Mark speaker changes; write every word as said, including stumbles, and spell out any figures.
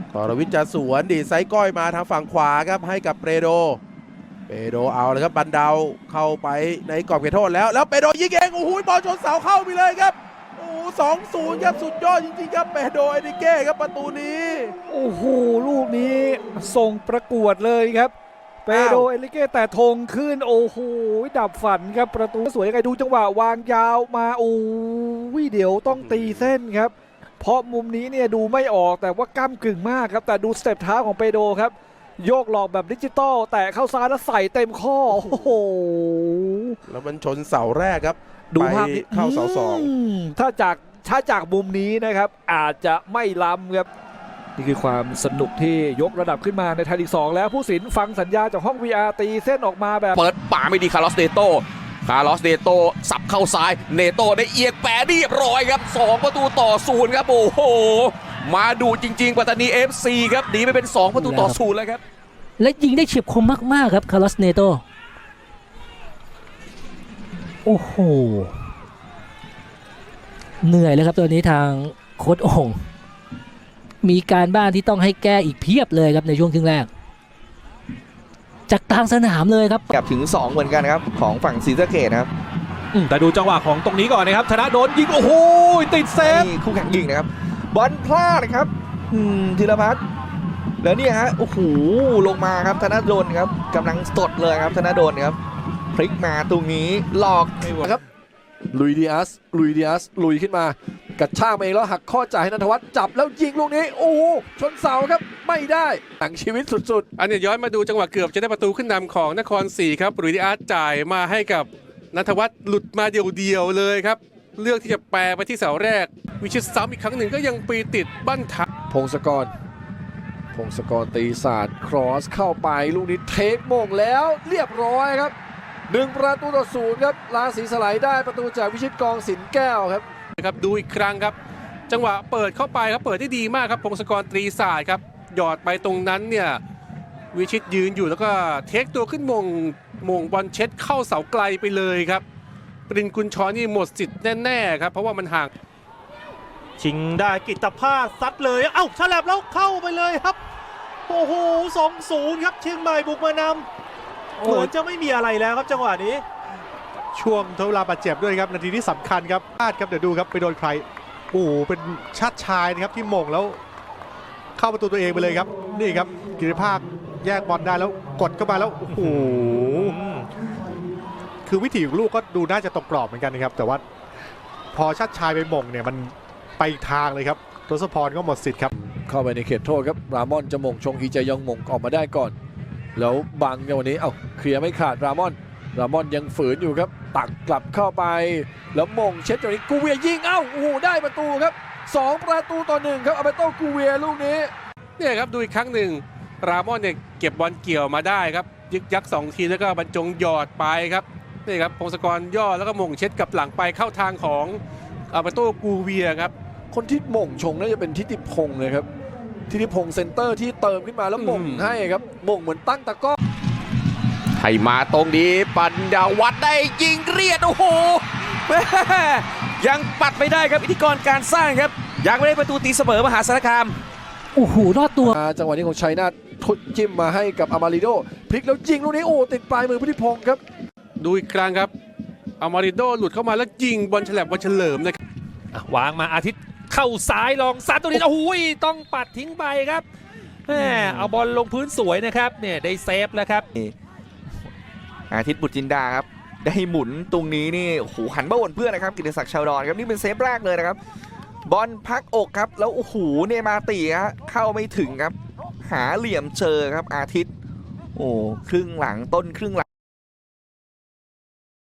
Speaker 1: กรวิทย์จะสวนดีไซก้อยมาทางฝั่งขวาครับให้กับเปโดเปโดเอาเลยครับบันเดาเข้าไปในกรอบเขตโทษแล้วแล้วเปโดยิงเองโอ้โหบอลชนเสาเข้าไปเลยครับโอ้โหสองศูนย์ครับสุดยอดจริงๆครับเปโดเอนิเก้ครับประตูนี้
Speaker 2: โอ้โหลูกนี้ส่งประกวดเลยครับเปโดเอนิเก้แต่ธงขึ้นโอ้โหดับฝันครับประตูสวยยังไงดูจังหวะวางยาวมาโอ้ยเดี๋ยวต้องตีเส้นครับเพราะมุมนี้เนี่ยดูไม่ออกแต่ว่าก้ำกึ่งมากครับแต่ดูสเต็ปเท้าของเปโดครับโยกหลอกแบบดิจิตอลแต่เข้าซ้ายแล้วใส่เต็มข้อโอ้โห
Speaker 1: แล้วมันชนเสาแรกครับ
Speaker 2: ดูภาพ
Speaker 1: เข้าเสาสอง
Speaker 2: ถ้าจากถ้าจากมุมนี้นะครับอาจจะไม่ล้ำครับนี่คือความสนุกที่ยกระดับขึ้นมาในไทยลีกสองแล้วผู้สินฟังสัญญาจากห้อง วี อาร์ ตีเส้นออกมาแบบ
Speaker 3: เปิดป่าไม่ดีคาร์ลอสเนโตคาร์ลอสเนโตสับเข้าซ้ายเนโตได้เอียงแปะเรียบร้อยครับสองประตูต่อศูนย์ครับโอ้โหมาดูจริงๆปัตตานี เอฟ ซี ครับหนีไปเป็นสองประตูต่อศูนย์แล้วครับ
Speaker 4: และยิงได้เฉียบคมมากๆครับคาร์ลอสเนโตโอ้โหเหนื่อยเลยครับตัวนี้ทางโค้ชโอ่งมีการบ้านที่ต้องให้แก้อีกเพียบเลยครับในช่วงครึ่งแรกจากกลางสนามเลยครับ
Speaker 5: กลับถึงสองเหมือนกันครับของฝั่งศรีสะเกษครับ
Speaker 2: แต่ดูจังหวะของตรงนี้ก่อนนะครับธนาโดนยิงโอ้โหติดเซฟ
Speaker 5: คู่แข่งยิงนะครับบอลพลาดนะครับธีรพัฒน์แล้วเนี่ยฮะโอ้โหลงมาครับธนาโดนครับกำลังสดเลยครับธนาโดนครับพลิกมาตรงนี้หลอก
Speaker 6: ครับลุยดิอัสลุยดิอัสลุยขึ้นมากระชากมาเองแล้วหักข้อจ่ายให้นันทวัฒน์จับแล้วยิงลูกนี้โอ้โหชนเสาครับไม่ได้หนังชีวิตสุด
Speaker 7: ๆอันนี้ย้อนมาดูจังหวะเกือบจะได้ประตูขึ้นนำของนครศรีครับลุยดิอัสจ่ายมาให้กับนันทวัฒน์หลุดมาเดียวๆเลยครับเลือกที่จะแปรไปที่เสาแรกวิชิตซ้ำอีกครั้งหนึ่งก็ยังปีติดบั้นทับ
Speaker 6: พงศกรพงศกรตีศาสตร์ครอสเข้าไปลูกนี้เทคโมงแล้วเรียบร้อยครับหนึ่งประตูต่อศูนย์ครับราศีสไลด์ได้ประตูจากวิชิตกองสินแก้วครับ
Speaker 7: ครับดูอีกครั้งครับจังหวะเปิดเข้าไปครับเปิดได้ดีมากครับพงศกรตรีศาสตร์ครับหยอดไปตรงนั้นเนี่ยวิชิตยืนอยู่แล้วก็เทคตัวขึ้นมงมงบอลเช็ดเข้าเสาไกลไปเลยครับปรินกุลชรนี่หมดสิทธิ์แน่ๆครับเพราะว่ามันห่าง
Speaker 8: ชิงได้กิตภาสซัดเลยเอ้าฉลับแล้วเข้าไปเลยครับโอ้โห สองศูนย์ ครับเชียงใหม่บุกมานำเหมือนจะไม่มีอะไรแล้วครับจังหวะนี้ช่วงทดเวลาบาดเจ็บด้วยครับนาทีที่สำคัญครับพลาดครับเดี๋ยวดูครับไปโดนใครโอ้โหเป็นชาติชายนะครับที่มงแล้วเข้าประตูตัวเองไปเลยครับนี่ครับกิติภาคแยกบอลได้แล้วกดเข้ามาแล้วโอ้โหคือวิถีของลูกก็ดูน่าจะตรงกรอบเหมือนกันนะครับแต่ว่าพอชาติชายไปมงเนี่ยมันไปทางเลยครับทศพรก็หมดสิทธิ์ครับ
Speaker 6: เข้าไปในเขตโทษครับรามอนจะมงชงอีเจยองมงออกมาได้ก่อนแล้วบังในวันนี้เอ้าเคลียร์ไม่ขาดรามอนรามอนยังฝืนอยู่ครับตักกลับเข้าไปแล้วมงเช็ดจากนี้กูเวียยิงเอ้าโอ้โหได้ประตูครับสองประตูต่อหนึ่งครับอาเบโต้กูเวียลูกนี้
Speaker 7: เนี่ยครับดูอีกครั้งหนึ่งรามอนเนี่ยเก็บบอลเกี่ยวมาได้ครับยึกยักสองทีแล้วก็บรรจงหยอดไปครับนี่ครับพงศกรย่อแล้วก็มงเช็ดกับหลังไปเข้าทางของอาเบโต้กูเวียครับ
Speaker 6: คนที่มงชงน่าจะเป็นทิติพงศ์เลยครับทิติพงศ์เซนเตอร์ที่เติมขึ้นมาแล้วมงให้ครับมงเหมือนตั้งตะก้อ
Speaker 3: ให้มาตรงนี้ปัญญาวัฒน์ได้ยิงเรียดโอ้โหยังปัดไม่ได้ครับอิทธิกรการสร้างครับยังไม่ได้ประตูตีเสมอมหาสารคาม
Speaker 4: โอ้โหรอดตัว
Speaker 6: จังหวะนี้ของชัยนาททุดจิ้มมาให้กับอามาริโดพลิกแล้วยิงลูกนี้โอ้ติดปลายมือทิติพงศ์ครับ
Speaker 7: ดูอีกครั้งครับอามาริโดหลุดเข้ามาแล้วยิงบอลฉลับบอลเฉลิมนะครับ
Speaker 2: วางมาอาทิตย์เข้าซ้ายลองซัดตัวนี้โอ้โหต้องปัดทิ้งไปครับแหมเอาบอลลงพื้นสวยนะครับเนี่ยได้เซฟแล้วครับ
Speaker 5: อาทิตย์บุตรจินดาครับได้หมุนตรงนี้นี่โอ้โหหันมาวนเพื่อนนะครับกิติศักดิ์ชาวดอนครับนี่เป็นเซฟแรกเลยนะครับบอลพักอกครับแล้วโอ้โหเนมาตีฮะเข้าไม่ถึงครับหาเหลี่ยมเจอครับอาทิตย์โอ้ครึ่งหลังต้นครึ่งหลัง